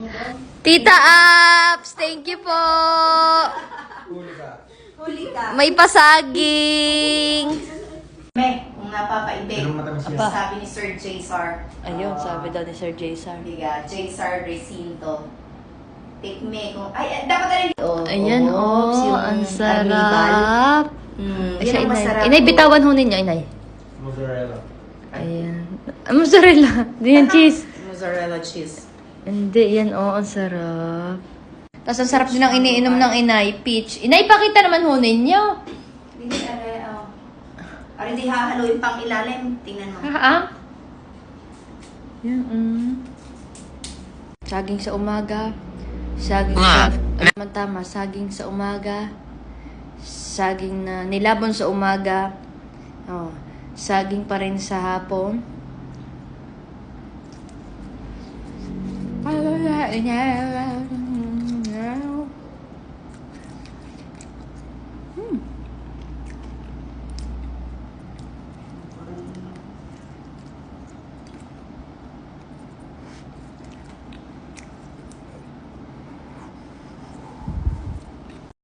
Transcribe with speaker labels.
Speaker 1: Tita Apps, thank you po.
Speaker 2: Huli ka.
Speaker 1: May pasaging.
Speaker 2: Kung napapaibig, sabi ni Sir J.S.R.
Speaker 1: Ayun, sabi daw ni Sir Jason.
Speaker 2: Diga, J.S.R. Recinto. Take me kung... Ay, dapat na rin.
Speaker 1: Ayan,
Speaker 2: yung
Speaker 1: ang
Speaker 2: carnival.
Speaker 1: sarap. Ay,
Speaker 2: Yan
Speaker 1: siya,
Speaker 2: ang
Speaker 1: inay.
Speaker 2: masarap.
Speaker 1: Inay, bitawan ho ninyo, inay.
Speaker 3: Mozzarella.
Speaker 1: Ayan. Mozzarella. Di yan cheese.
Speaker 2: Mozzarella cheese.
Speaker 1: Hindi, yan, ang sarap. Tapos ang sarap din ang iniinom ng inay, peach. Inay, pakita naman ho ninyo.
Speaker 2: Hindi, Ari, di hahaluin pang ilalim. Tingnan mo.
Speaker 1: Yan, saging sa umaga. Saging sa... Tama, saging sa umaga. Saging na nilabon sa umaga. Oh, saging pa rin sa hapon.